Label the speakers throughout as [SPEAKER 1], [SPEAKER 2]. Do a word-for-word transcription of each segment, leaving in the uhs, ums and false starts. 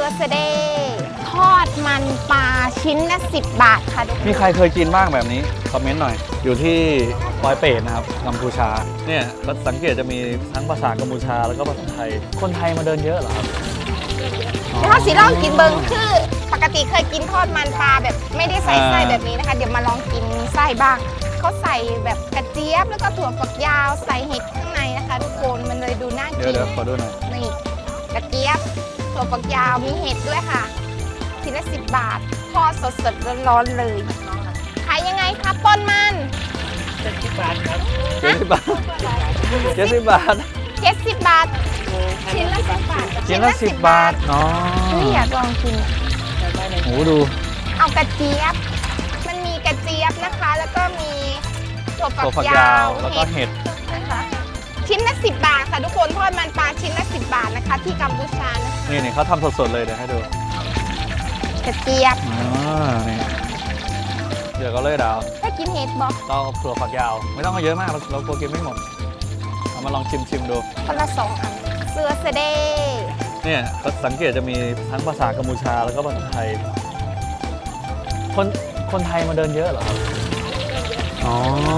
[SPEAKER 1] ร์สเดย์ทอดมันปลาชิ้นละสิบบาทค่ะทุกคน
[SPEAKER 2] มีใครเคยกินบ้างแบบนี้คอมเมนต์หน่อยอยู่ที่ปอยเปตนะครับกัมพูชาเนี่ยก็สังเกตจะมีทั้งภาษากัมพูชาแล้วก็ภาษาไทยคนไทยมาเดินเยอะเหรอครับ
[SPEAKER 1] เดี๋ยวถ้าสีลองกินเบิงคือปกติเคยกินทอดมันปลาแบบไม่ได้ใส่ไส้แบบนี้นะคะเดี๋ยวมาลองกินไส้บ้างเขาใส่แบบกระเจี๊ยบแล้วก็ถั่วฝักยาวใส่เห็ดข้างในนะคะทุกคนมันเลยดูน่ากิน
[SPEAKER 2] เดี๋ยวเดี๋ยวขอดูหน่อย
[SPEAKER 1] นี่กระเจี๊ยบถั่วฝักยาวมีเห็ดด้วยค่ะชิ้นละสิบบาททอดสดๆร้อนๆเลยขายยังไงคะปนมัน
[SPEAKER 2] เจ็ดสิบบาทครับเจ็ดสิบบาทเจ็ดสิบบาท
[SPEAKER 1] เจ็ดสิบบาทชิ้นละสิบบาท
[SPEAKER 2] ชิ้นละสิบบาทอ๋อ
[SPEAKER 1] เฮ้ยอยากลองกิน
[SPEAKER 2] โหดู
[SPEAKER 1] เอากระเจี๊ยบมันมีกระเจี๊ยบนะคะ แล้วก็มีถั่ว
[SPEAKER 2] ตัว
[SPEAKER 1] ฝั
[SPEAKER 2] ฝั
[SPEAKER 1] ก
[SPEAKER 2] ก
[SPEAKER 1] ยาย
[SPEAKER 2] าว วแล้วก็เห็ด
[SPEAKER 1] นะคะชิ้นละสิบบาทค่ะทุกคนทอดมันปลาชิ้นละสิบบาทนะคะ ที่กัมพูชานะคะ
[SPEAKER 2] นี่นี่เขาทำสดๆเลยเดี๋ยวให้ดู
[SPEAKER 1] กระเจี๊ยบ
[SPEAKER 2] อ่านี่เดี๋ยวก็เลยดาว
[SPEAKER 1] ถ้ากินเห็ดบอก
[SPEAKER 2] เราเอาถั่วฝักยาว ไม่ต้องเอาเยอะมากเราเรากลัวกินไม่หมดเอามาลองชิมชิมดู
[SPEAKER 1] คนละสองอันเสือเสเดย์
[SPEAKER 2] เนี่ยก็สังเกตจะมีทั้งภาษากัมพูชาแล้วก็ภาษาไทย คนคนไทยมาเดินเยอะเหรอครับอ๋อ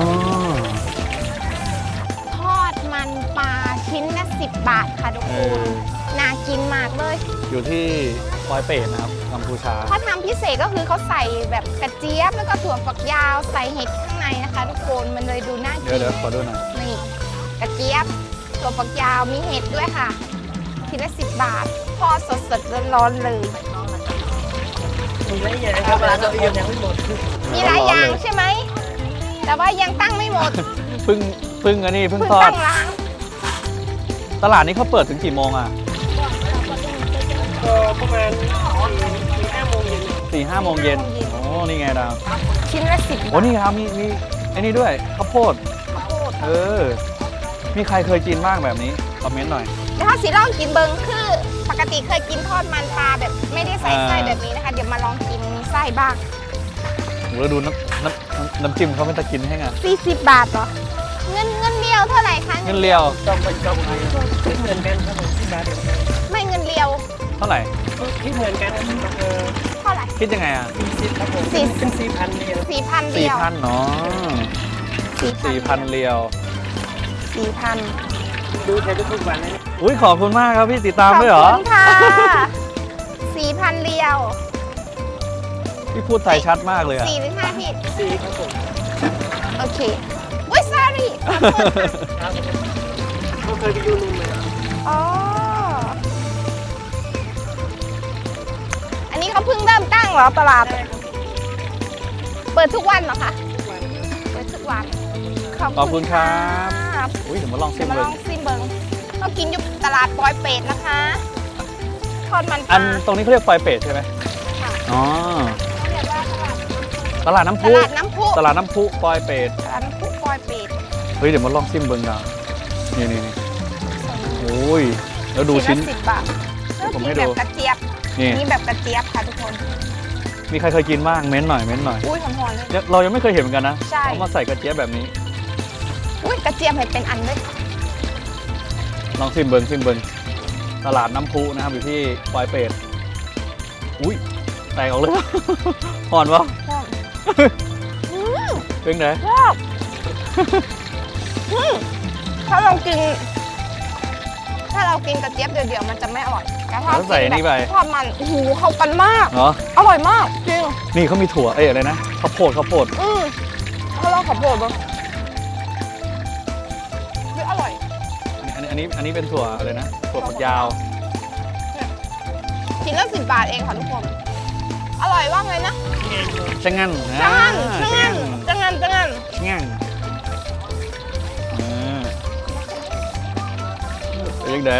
[SPEAKER 1] ทอดมันปลาชิ้นละสิบบาทค่ะทุก
[SPEAKER 2] เอ
[SPEAKER 1] คน
[SPEAKER 2] อ
[SPEAKER 1] น่ากินมากเลย
[SPEAKER 2] อยู่ที่ปอยเปตนะครับกัมพูชา
[SPEAKER 1] เขาทำพิเศษก็คือเขาใส่แบบกระเจี๊ยบแล้วก็ถั่วฝักยาวใส่เห็ดข้างในนะคะ ทุกคนมันเลยดูน่า
[SPEAKER 2] เดี๋
[SPEAKER 1] กิ
[SPEAKER 2] ยวน เดี๋ยวขอดูหน่อย
[SPEAKER 1] นี่กระเจี๊ยบถั่วฝักยาวมีเห็ดด้วยค่ะชิ้นละสิบบาททอดสดๆร้อนๆเลย
[SPEAKER 3] มีหลายอย่างครับร้านเราเองยังไม่หมด
[SPEAKER 1] มีหลายอย่างใช่ไหมแต่ว่ายังตั้งไม่หมด
[SPEAKER 2] เพิ่งเพิ่งอันนี้เพิ่ง
[SPEAKER 1] เพิ่ง
[SPEAKER 2] ทอด
[SPEAKER 1] ตั้งร้าน
[SPEAKER 2] ตลาดนี้เขาเปิดถึงกี่โมงอ่ะ
[SPEAKER 3] ก็ประมาณสี่ห้าโมงเย็น
[SPEAKER 2] สี่ห้าโมงเย็นโอ้นี่ไงดาว
[SPEAKER 1] ชิ้นละสิบบาท
[SPEAKER 2] โอ้นี่ครับมีมีไอ้นี่ด้วยข้าวโพด
[SPEAKER 1] ข้าวโพด
[SPEAKER 2] เออ มีใครเคยกินบ้างแบบนี้คอมเมนต์หน่อย
[SPEAKER 1] แล้วถ้าสีลองกินเบิงคือปกติเคยกินทอดมันปลาแบบไม่ได้ใส่ไส้
[SPEAKER 2] อ่า
[SPEAKER 1] แบบนี้นะคะเดี๋ยวมาลองกินไส้บ้าง
[SPEAKER 2] โหแล้วดูน้ำน้ำน้ำน้ำจิ้มเขาไม่ตะกินให้ไง
[SPEAKER 1] สี่สิบบาทเหรอเงินเงินเรียวเท่าไหร่คะ
[SPEAKER 2] เงินเลียว
[SPEAKER 3] ต้องไปต้องไปคิดเหมือนกันครับผมที่มาเดียวกัน
[SPEAKER 1] ไม่เงินเรียว
[SPEAKER 2] เท่าไหร่
[SPEAKER 3] คิดเหมือนกันครับเออ
[SPEAKER 1] เท่าไหร่
[SPEAKER 2] คิดยังไงอ่ะ
[SPEAKER 3] สี่สิบครับผม
[SPEAKER 1] สี่
[SPEAKER 3] เป็นสี่พันเนี่ย
[SPEAKER 1] สี่พัน
[SPEAKER 2] สี่
[SPEAKER 1] เดียว
[SPEAKER 2] พันเนาะ
[SPEAKER 1] สี่
[SPEAKER 2] สี่พันเรียว
[SPEAKER 1] สี่พัน
[SPEAKER 3] ดูแทนทุกวันเลย
[SPEAKER 2] อุ้ยขอบคุณมากครับพี่ติดตาม
[SPEAKER 1] ขอบ
[SPEAKER 2] ด้วยเหรอ
[SPEAKER 1] คุณค่ะสี่พันเรียว
[SPEAKER 2] พี่พูดไทยชัดมากเลยอ่ะ
[SPEAKER 1] สี่หรือห้าพี่
[SPEAKER 3] สี่ครับผม
[SPEAKER 1] โอเคอุ้ย sorry ขอโทษค่ะ
[SPEAKER 3] ครับเขาเคยไปดูลุงเลย
[SPEAKER 1] อ๋ออันนี้เขาเพิ่งเริ่มตั้งเหรอตลาด เปิดทุกวันเหรอคะ เปิดทุกวัน
[SPEAKER 2] ขอบคุณครับ
[SPEAKER 1] ครับ
[SPEAKER 2] อุ้ยเดี๋ยวมาลองชิ
[SPEAKER 1] เดี๋ยว
[SPEAKER 2] ม
[SPEAKER 1] มา
[SPEAKER 2] เล
[SPEAKER 1] ล
[SPEAKER 2] ย
[SPEAKER 1] องซิมเบิงเรากินอยู่ตลาดปอยเป็ดนะคะ ทอดมันป
[SPEAKER 2] อั
[SPEAKER 1] ลาน
[SPEAKER 2] ตรงนี้เขาเรียกปอยเป็ดใช่ไหม
[SPEAKER 1] ค่ะ
[SPEAKER 2] อ๋อ
[SPEAKER 1] เขาเรียกว่าตลาด
[SPEAKER 2] ตลาดน้ำ
[SPEAKER 1] ต
[SPEAKER 2] พุ
[SPEAKER 1] ลาดน้ำพุ
[SPEAKER 2] ตลาดน้ำพุปอยเป็ด
[SPEAKER 1] ตลาดน้ำพุปอยเป็ด
[SPEAKER 2] เฮ้ยเดี๋ยวมาลองชิมเบิ้งดาวนี่นี่นี่โอ้ยแล้วดูชิ้น
[SPEAKER 1] ละสิบบาท
[SPEAKER 2] ผมให้
[SPEAKER 1] แบ
[SPEAKER 2] ดู
[SPEAKER 1] บกระเจี๊ยบ
[SPEAKER 2] นี่
[SPEAKER 1] นี่แบบกระเจี๊ยบค่ะทุกคน
[SPEAKER 2] มีใครเคยกินบ้างเม้นหน่อยเม้นหน่อย
[SPEAKER 1] อุ้ยหอมๆเลย
[SPEAKER 2] ยังเรายังไม่เคยเห็นเหมือนกันนะ
[SPEAKER 1] ใช่
[SPEAKER 2] เขามาใส่กระเจี๊ยบแบบนี้
[SPEAKER 1] อุ้ยกระเจี๊ยบเห็นเป็นอันด้วยค่ะ
[SPEAKER 2] ลองชิมเบิ้งชิมเบิ้งตลาดน้ำพุนะครับอยู่ที่ปอยเป็ดอุ้ยแตกออกเลย หอนวะ
[SPEAKER 1] หอมอืม
[SPEAKER 2] เป็นไง
[SPEAKER 1] ชอบอืมถ้าเรากิน ถ้าเรากินกระเจี๊ยบเดี่ยวๆมันจะไม่อร่อยแต่ถ้า
[SPEAKER 2] แล้วใส่
[SPEAKER 1] กิน
[SPEAKER 2] นี่
[SPEAKER 1] แบ
[SPEAKER 2] ไป
[SPEAKER 1] บทอดมันโอ้โหเข้ากันมาก
[SPEAKER 2] เหรอ
[SPEAKER 1] อร่อยมากจริง
[SPEAKER 2] นี่เขามีถั่วเอ้ยอะไรนะข้าวโพดข้าวโพด
[SPEAKER 1] อืมถ้าเราขอโทษบ้างเฮ้ยอร่อย
[SPEAKER 2] อันนี้อันนี้อันนี้เป็นถั่วอะไรนะถั่วฝักยาว
[SPEAKER 1] ชิ้นละสิบบาทเองค่ะทุกคน อร่อยว่าไงนะ
[SPEAKER 2] ชะงัน
[SPEAKER 1] จังงัน
[SPEAKER 2] อ่า
[SPEAKER 1] จังงันจังงันจังงัน
[SPEAKER 2] ชะงันอ่าเป็นยังไง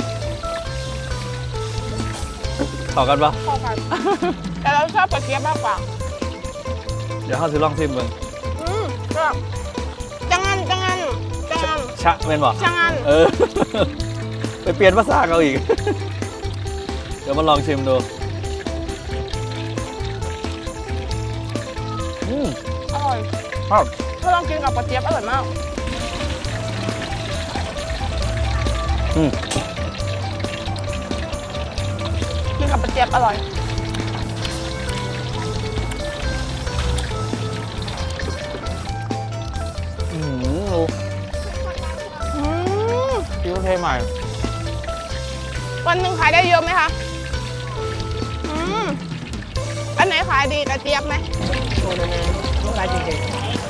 [SPEAKER 2] ต่อกันปะ
[SPEAKER 1] พอกันแต่เราชอบกระเจี๊ยบมากกว่า
[SPEAKER 2] เดี๋ยวเขาซื้อลองซิมเบิ้ง
[SPEAKER 1] อืมก็จังงันจังงันจังงัน
[SPEAKER 2] ชะเป็นบ่
[SPEAKER 1] จังงัน
[SPEAKER 2] เออ ไปเปลี่ยนภาษาเขาอีก เดี๋ยวมาลองชิมดูอืม
[SPEAKER 1] อร่อย
[SPEAKER 2] ครับ
[SPEAKER 1] ถ้าลองกินกับกระเจี๊ยบอร่อยมาก
[SPEAKER 2] อืม
[SPEAKER 1] กินกับกับกระเจี๊ยบอร่อย
[SPEAKER 2] อืมดู
[SPEAKER 1] อืม
[SPEAKER 2] พี่เขาเทใหม่
[SPEAKER 1] วันหนึ่งขายได้เยอะไหมคะอืมอันไหนขายดีกระเจี๊ยบไหม
[SPEAKER 3] โอ้นั่นนะลูกค้าจริง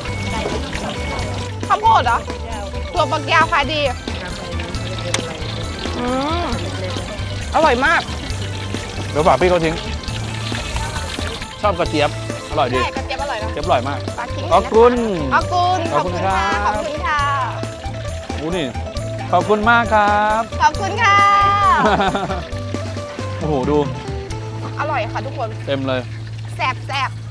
[SPEAKER 1] ข้าวโพดเหรอ
[SPEAKER 3] ๆเจ้า
[SPEAKER 1] ถั่วฝักยาวขายดี
[SPEAKER 3] น้ำอะไรไม่ได้เป็นอะไร
[SPEAKER 1] อืม
[SPEAKER 3] เล็ก
[SPEAKER 1] อร่อยมาก
[SPEAKER 2] เดี๋ยวฝากพี่เขาทิ้ง ชอบกระเจี๊ยบ อร่อยดี
[SPEAKER 1] ใช่กระเจี๊ยบอร่อยนะ
[SPEAKER 2] เจี๊ยบอร่อยมาก
[SPEAKER 1] ฝากทิ้ง
[SPEAKER 2] ขอบคุณ
[SPEAKER 1] ขอบคุณ
[SPEAKER 2] ขอบคุณครับ
[SPEAKER 1] ขอบคุณค่ะ
[SPEAKER 2] อู้นี่ ขอบคุณมากครับ
[SPEAKER 1] ขอบคุณค่ะ
[SPEAKER 2] โอ้โห ดู
[SPEAKER 1] อร่อยค่ะทุกคน
[SPEAKER 2] เต็มเลย
[SPEAKER 1] แสบแสบ